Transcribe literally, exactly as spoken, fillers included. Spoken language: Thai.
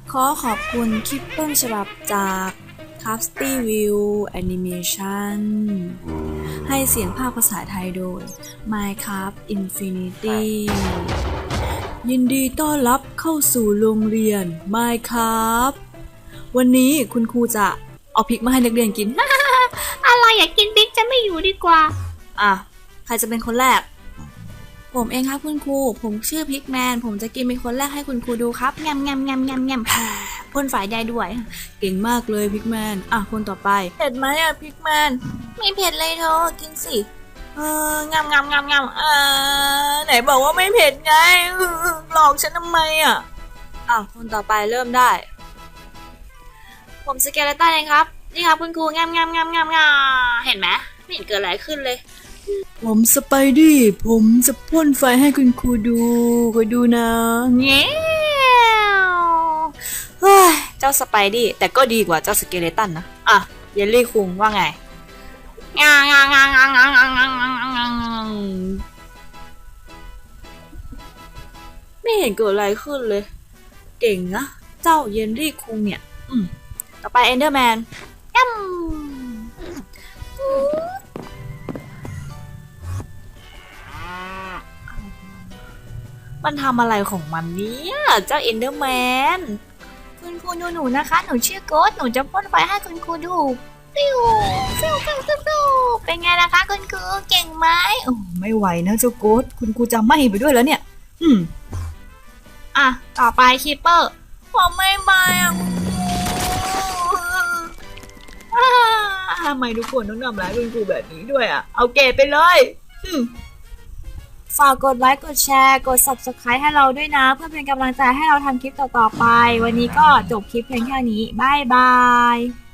ขอขอบคุณคลิปต้นฉบับจาก Crafty View Animation ให้เสียงภาคภาษาไทยโดย Minecraft Infinity ยินดีต้อนรับเข้าสู่โรงเรียน Minecraft วันนี้คุณครูจะเอาพริกมาให้นักเรียนกินอะไรอยากกินพริกจะไม่อยู่ดีกว่าอ่ะใครจะเป็นคนแรกผมเองครับคุณครูผมชื่อพิกแมนผมจะกินเป็นคนแรกให้คุณครูดูครับยำยำยำยำยำพ่นไฟได้ด้วยเก่งมากเลยพิกแมนอ่ะคนต่อไปเผ็ดไหมอ่ะพิกแมนไม่เผ็ดเลยเธอกินสิเอองำงำงำงำเออไหนบอกว่าไม่เผ็ดไงหลอกฉันทำไมอ่ะอ่ะคนต่อไปเริ่มได้ผมสเกเลตันเองครับนี่ครับคุณครูงำงำงำงำงำเห็นไหมไม่เห็นเกิดอะไรขึ้นเลยผมสไปดี้ผมจะพ่นไฟให้คุณครูดูคอยดูนะเงี้ยวเฮ้ยเจ้าสไปดี้แต่ก็ดีกว่าเจ้าสเกเลตันนะอ่ะเยลลี่คุงว่าไงงางางางางางางางางไม่เห็นเกิดอะไรขึ้นเลยเก่งนะเจ้าเยลลี่คุงเนี่ยอืมต่อไปเอนเดอร์แมนยัมมันทำอะไรของมันเนี่ยเจ้าเอนเดอร์แมนคุณครูดูหนูนะคะหนูชื่อโกสหนูจะพ่นไฟให้คุณครูดูฟิวฟิวฟิวฟิวฟิวเป็นไงล่ะคะคุณครูเก่งไหมโอ้ไม่ไหวนะเจ้าโกสคุณครูจะไหม้ไปด้วยแล้วเนี่ยอืมอ่ะต่อไปคีปเปอร์ผมไม่ไหม้อ่ะทำไมทุกคนต้องทำร้ายคุณครูแบบนี้ด้วยอ่ะเอาเกรดไปเลยอืมฝากกดไลค์กดแชร์กด ซับสไครบ์ ให้เราด้วยนะเพื่อเป็นกำลังใจให้เราทำคลิปต่อๆไปวันนี้ก็จบคลิปเพียงแค่นี้บ๊ายบาย